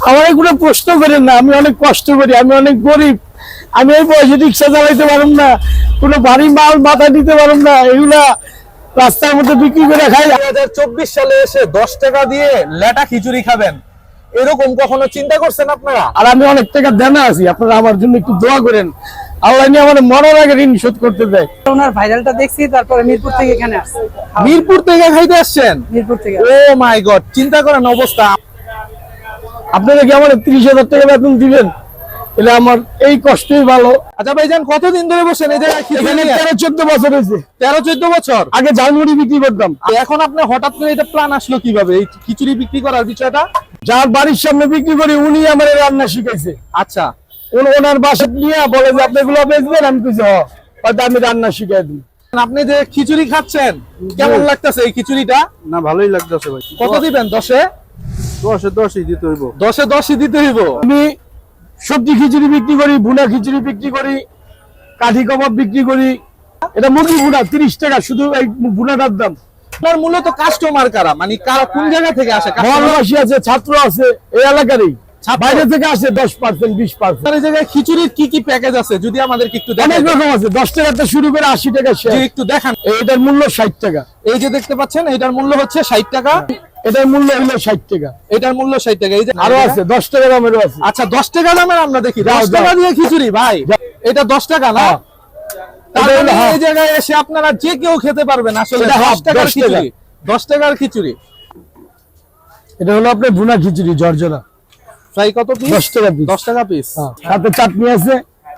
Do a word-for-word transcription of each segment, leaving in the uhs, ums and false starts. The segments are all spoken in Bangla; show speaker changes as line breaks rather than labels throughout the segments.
আমার এগুলো প্রশ্ন করেন না, আমি অনেক কষ্ট করি, আমি অনেক গরিব, আমি এই বয়সে রিক্সা চালাইতে পারব না, কোনো ভারী মাল মাথা দিতে পারব না, এগুলা রাস্তার মধ্যে বিক্রি করে খাই।
দুই হাজার চব্বিশ সালে এসে দশ টাকা দিয়ে লেটা খিচুড়ি খাবেন, এরকম কখনো চিন্তা করছেন আপনারা?
আর আমি অনেক টাকা দেনা আছি, আপনারা আমার জন্য একটু দোয়া করেন, আল্লাহ নিয়ে আমার মরার আগে ঋণ শোধ করতে দেয়।
ওনার ভাইরালটা দেখছি, তারপরে মিরপুর থেকে এখানে আসছি।
মিরপুর থেকে খাইতে আসছেন?
মিরপুর থেকে।
ও মাই গড, চিন্তা করেন অবস্থা।
আপনারা কি আমার তিরিশ হাজার টাকা বেতন দিবেন? এলে আমার এই কষ্টই ভালো।
আচ্ছা ভাইজান, কতদিন ধরে বসেন এই জায়গায় খিচুড়ি
এখানে
নিয়ে?
তেরো চোদ্দ বছর হয়েছে।
তেরো চোদ্দ বছর
আগে ঝালমুড়ি বিক্রি করতাম।
আর এখন আপনি হঠাৎ করে এটা প্ল্যান আসলো কিভাবে, এই খিচুড়ি বিক্রি করার বিষয়টা?
যার বাড়ির সামনে বিক্রি করি উনি আমার রান্না শিখাইছে।
আচ্ছা,
ওনার বাসা নিয়ে বলে যে আপনি এগুলো বেচবেন, আমি কিছু হয়তো আমি রান্না শিখাই দিই।
আপনি যে খিচুড়ি খাচ্ছেন কেমন লাগতেছে এই খিচুড়িটা?
না, ভালোই লাগতেছে ভাই।
কত দিবেন? দশে
দশে দশই দিতে হইব।
দশে দশই দিতে হইব।
আমি সবজি খিচুড়ি বিক্রি করি, ভুনা খিচুড়ি বিক্রি করি, কাঠি কাবাব বিক্রি করি। এটা মুরগি ভুনা তিরিশ টাকা, শুধু এই ভুনাটার দাম।
আপনার মূলত কাস্টমার কারা, মানে কারা কোন জায়গা থেকে আসে?
মহল্লাবাসী আছে, ছাত্র আছে, এই এলাকারই। বাইরে থেকে আসে দশ পার্সেন্ট বিশ পার্সেন্ট।
এই জায়গায় খিচুড়ির কি কি প্যাকেজ আছে যদি আমাদেরকে একটু
অনেক
দেখান?
রকম আছে, দশ টাকা থেকে শুরু করে আশি টাকা শেষ।
একটু দেখান।
এটার মূল্য ষাট টাকা।
এই যে দেখতে পাচ্ছেন, এটার মূল্য হচ্ছে ষাট টাকা।
এটার মূল্য হলো ষাট টাকা।
এটার মূল্য ষাট টাকা। এই যে
আরো আছে দশ টাকা দামেরও আছে।
আচ্ছা, দশ টাকা দামের আমরা দেখি।
যাও,
দশ টাকা
যাও।
দিয়ে খিচুড়ি ভাই, এটা দশ টাকা না?
হ্যাঁ।
তার
এটা হলো
মানে
half।
এই জায়গায় এসে আপনারা যে কেউ খেতে পারবেন আসলে।
এটা half,
দশ টাকার
দশ টাকা।
খিচুড়ি, দশ টাকার খিচুড়ি।
এটা হলো আপনার ভুনা খিচুড়ি জর্জরা,
ফ্রাই কত পিস?
দশ টাকা পিস।
দশ টাকা পিস।
সাথে চাটনি আছে,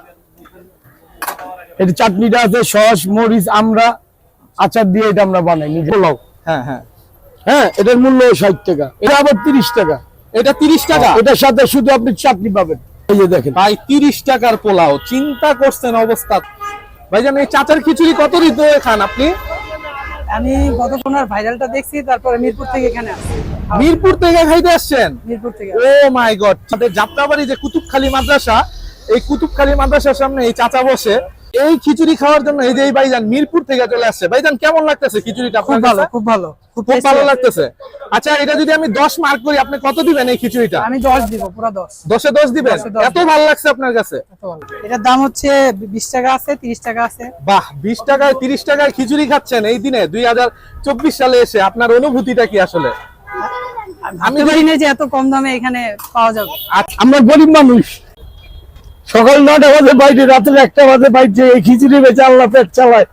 এটা চাটনিটা আছে সস মরিচ আমরা আচার দিয়ে এটা আমরা বানাই নিজে। পোলাও,
হ্যাঁ হ্যাঁ
হ্যাঁ, এটার মূল্য ষাট টাকা। এটা আবার তিরিশ টাকা।
এটা তিরিশ টাকা।
এটার সাথে শুধু আপনি চাটনি পাবেন। এই যে দেখেন
ভাই, তিরিশ টাকার পোলাও, চিন্তা করছেন অবস্থা। ভাইজান, এই চাচার খিচুড়ি কত দিতে খান আপনি?
আমি গতক্ষণ ওনার ভাইরালটা দেখছি, তারপরে মিরপুর থেকে এখানে আসছি।
মিরপুর থেকে খাইতে আসছেন?
মিরপুর থেকে।
Oh my god. আমাদের যাত্রাবাড়ি যে কুতুবখালী মাদ্রাসা, এই কুতুবখালী মাদ্রাসার সামনে এই চাচা বসে এই খিচুড়ি খাওয়ার জন্য এই যে এই ভাইজান মিরপুর থেকে চলে আসছে। ভাইজান, কেমন লাগতেছে খিচুড়িটা
খুব
আপনার
ভালো,
কাছে?
খুব ভালো, খুব
খুব
tasty
ভালো
আছে।
লাগতেছে। আচ্ছা, এটা যদি আমি দশ মার্ক করি, আপনি কত দিবেন এই খিচুড়িটা?
আমি দশ দিব, পুরো দশ।
দশে দশ দিবেন?
দশে দশ
এত ভালো লাগছে আপনার কাছে?
এত ভালো। এটার দাম হচ্ছে বিশ টাকা আছে, তিরিশ টাকা আছে।
বাহ, বিশ টাকায় তিরিশ টাকায় খিচুড়ি খাচ্ছেন এই দিনে দুই হাজার চব্বিশ সালে এসে, আপনার অনুভূতিটা কি আসলে?
আমি জানি না যে এত কম দামে এখানে পাওয়া যাবে।
আমরা গরিব মানুষ, সকাল নটা বাজে বাইরে, রাত্রে একটা বাজে বাইরে, এই খিচুড়ি বেচে আল্লাহ পেট চালায়।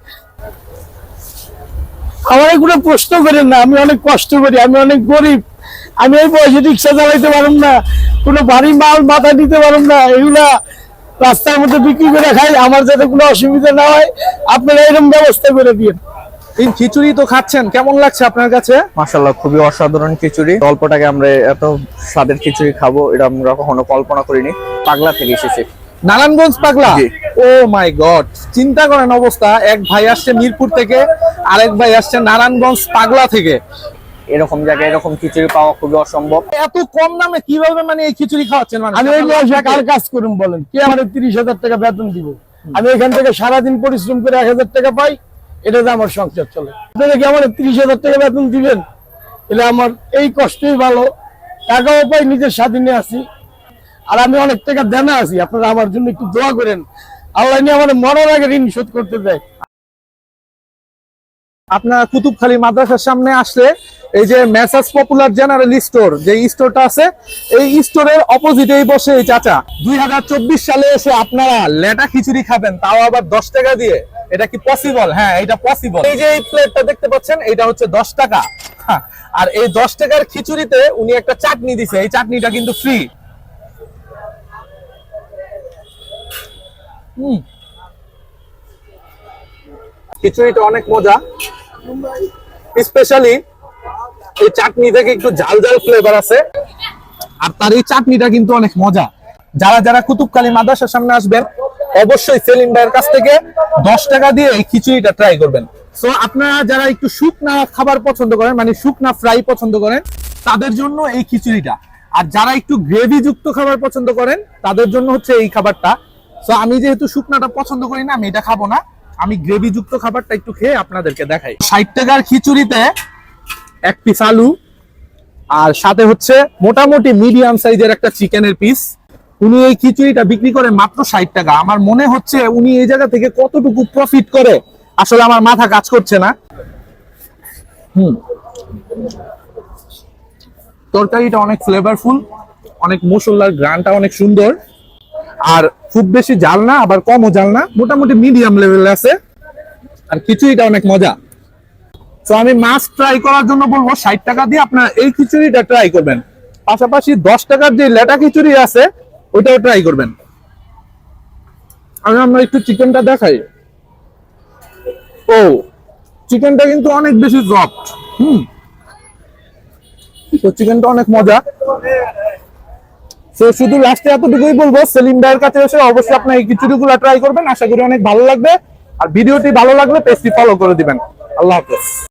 আমার এগুলো প্রশ্ন করেন না, আমি অনেক কষ্ট করি, আমি অনেক গরিব, আমি এই বয়সে রিক্সা চালাইতে পারব না, কোনো ভারী মাল মাথা দিতে পারব না, এগুলা রাস্তার মধ্যে বিক্রি করে খাই। আমার যাতে কোনো অসুবিধা না হয় আপনারা এরকম ব্যবস্থা করে দিন।
এই খিচুড়ি তো খাচ্ছেন, কেমন লাগছে আপনার কাছে?
মাশাআল্লাহ, খুবই অসাধারণ খিচুড়ি। অল্প টাকায় আমরা এত স্বাদের খিচুড়ি খাবো এটা আমরা কখনো কল্পনা করিনি। পাগলা থেকে এসেছি,
নারায়ণগঞ্জ পাগলা।
জি।
ও মাই গড, চিন্তা করেন অবস্থা। এক ভাই আসছে মিরপুর থেকে, আরেক ভাই আসছে নারায়ণগঞ্জ পাগলা থেকে।
এরকম জায়গায় এরকম খিচুড়ি পাওয়া খুবই অসম্ভব।
এত কম দামে কিভাবে মানে এই খিচুড়ি খাওয়াচ্ছেন? মানে
আমি এই বয়সে কার কাজ করুন বলেন? কে আমার তিরিশ হাজার টাকা বেতন দিব? আমি এখান থেকে সারাদিন পরিশ্রম করে এক হাজার টাকা পাই, এটাতে আমার সংসার চলে। আপনারা কি আমার তিরিশ হাজার টাকা বেতন দিবেন? এলে আমার এই কষ্টই ভালো, টাকাও পাই, নিজের স্বাধীনে আছি, আর আমি অনেক টাকা দেনা আছি। আপনারা আমার জন্য একটু দোয়া করেন, আল্লাহ নিয়ে আমার মরার আগে ঋণ শোধ করতে দেয়।
আপনার কুতুবখালী মাদ্রাসার সামনে আসলে এই যে মেসাজ পপুলার জেনারেল স্টোর, যে স্টোরটা আছে, এই স্টোরের অপোজিটেই বসে এই চাচা। দুই হাজার চব্বিশ সালে এসে আপনারা লেটা খিচুড়ি খাবেন, তাও আবার দশ টাকা দিয়ে, এটা কি পসিবল? হ্যাঁ, এটা পসিবল। এই যে এই প্লেটটা দেখতে পাচ্ছেন, এটা হচ্ছে দশ টাকা। হ্যাঁ, আর এই দশ টাকার খিচুড়িতে উনি একটা চাটনি দিছে, এই চাটনিটা কিন্তু ফ্রি। হুম, খিচুড়িটা অনেক মজা, স্পেশালি এই চাটনি থেকে একটু ঝাল ঝাল ফ্লেভার আছে, আর তার এই চাটনিটা কিন্তু অনেক মজা। যারা যারা কুতুবখালী মাদ্রাসার সামনে আসবেন, অবশ্যই সেলিম ভাইয়ের কাছ থেকে দশ টাকা দিয়ে এই খিচুড়িটা ট্রাই করবেন। সো আপনারা যারা একটু শুকনা খাবার পছন্দ করেন, মানে শুকনা ফ্রাই পছন্দ করেন, তাদের জন্য এই খিচুড়িটা। আর যারা একটু গ্রেভি যুক্ত খাবার পছন্দ করেন, তাদের জন্য হচ্ছে এই খাবারটা। সো আমি যেহেতু শুকনাটা পছন্দ করি না, আমি এটা খাবো না, আমি গ্রেভি যুক্ত খাবারটা একটু খেয়ে আপনাদেরকে দেখাই। ষাট টাকার খিচুড়িতে এক পিস আলু, আর সাথে হচ্ছে মোটামুটি মিডিয়াম সাইজের একটা চিকেনের পিস। উনি এই খিচুড়িটা বিক্রি করে মাত্র ষাট টাকা। আমার মনে হচ্ছে উনি এই জায়গা থেকে কতটুকু প্রফিট করে আসলে আমার মাথা কাজ করছে না। হুম, তরকারিটা অনেক ফ্লেভারফুল, অনেক মশলার গ্রানটা অনেক সুন্দর, আর খুব বেশি জাল না আবার কমও জাল না, মোটামুটি মিডিয়াম লেভেলে আছে। আর খিচুড়িটা অনেক মজা। তো আমি মাছ ট্রাই করার জন্য বলবো ষাট টাকা দিয়ে আপনারা এই খিচুড়িটা ট্রাই করবেন, পাশাপাশি দশ টাকার যে লেটা খিচুড়ি আছে ওইটাও ট্রাই করবেন। আমি আমরা একটু চিকেনটা দেখাই। ও, চিকেনটা কিন্তু অনেক বেশি সফট। হুম, তো চিকেনটা অনেক মজা। তো শুধু লাস্টে এতটুকুই বলবো, সেলিম ভাইয়ের কাছে এসে অবশ্যই আপনার এই খিচুড়িগুলো ট্রাই করবেন, আশা করি অনেক ভালো লাগবে। আর ভিডিওটি ভালো লাগলে পেজটি ফলো করে দিবেন। আল্লাহ হাফেজ।